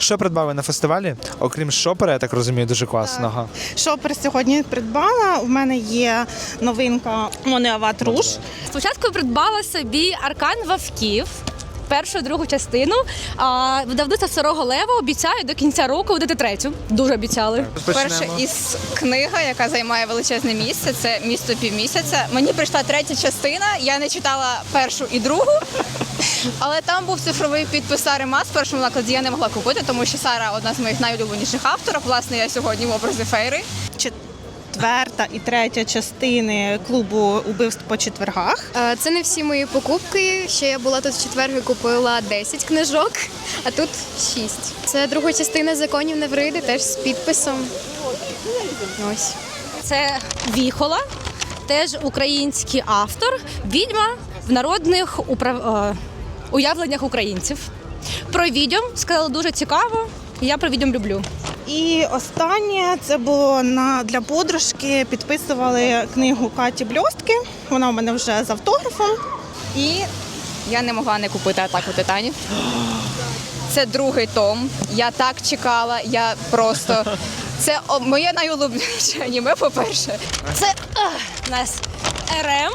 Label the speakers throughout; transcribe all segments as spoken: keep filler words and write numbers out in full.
Speaker 1: Що придбали на фестивалі? Окрім шопера, я так розумію, дуже класного.
Speaker 2: Шопер сьогодні придбала. У мене є новинка Монеават Руш.
Speaker 3: Спочатку придбала собі Аркан Вовків, першу, другу частину. А видавництво Старого Лева обіцяє до кінця року видати третю. Дуже обіцяли.
Speaker 4: Перша із книга, яка займає величезне місце, це «Місто півмісяця». Мені прийшла третя частина, я не читала першу і другу, але там був цифровий підпис Сари Мас в першому накладі, я не могла купити, тому що Сара – одна з моїх найулюбленіших авторів. Власне, я сьогодні в образі Фейри.
Speaker 2: Четверта і третя частини клубу убивств по четвергах.
Speaker 5: Е, Це не всі мої покупки. Ще я була тут в четвер і купила десять книжок, а тут шість. Це друга частина законів Невриди, теж з підписом. Ось.
Speaker 3: Це Віхола, теж український автор, відьма в народних управ... е, уявленнях українців. Про відьом сказали дуже цікаво, і я про відьом люблю.
Speaker 2: І останнє це було на для подружки. Підписували книгу Каті Бльостки. Вона у мене вже з автографом.
Speaker 4: І я не могла не купити «Атаку титанів». Це другий том. Я так чекала, я просто... Це о, моє найулюбленіше аніме, по-перше.
Speaker 3: Це ах, у нас РМ,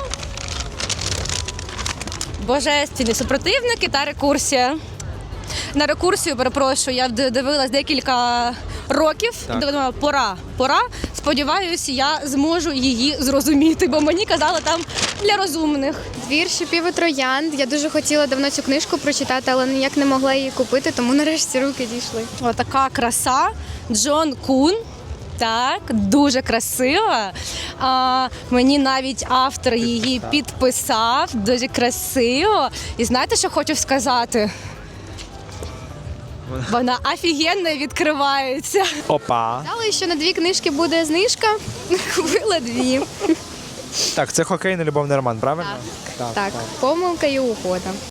Speaker 3: Божественні супротивники та рекурсія. На рекурсію, перепрошую, я дивилась декілька років,
Speaker 1: Так.
Speaker 3: думала, пора, пора. Сподіваюся, я зможу її зрозуміти, бо мені казали там для розумних.
Speaker 5: Двір шипів і троянд. Я дуже хотіла давно цю книжку прочитати, але ніяк не могла її купити, тому нарешті руки дійшли.
Speaker 3: Отака краса. Джон Кун. Так, дуже красива. А, мені навіть автор її підписав. Дуже красиво. І знаєте, що хочу сказати? Вона офігенно відкривається.
Speaker 1: Опа.
Speaker 5: Знала, що на дві книжки буде знижка. Купила дві.
Speaker 1: Так, це хокейний любовний роман, правильно?
Speaker 5: Так, помилка і угода.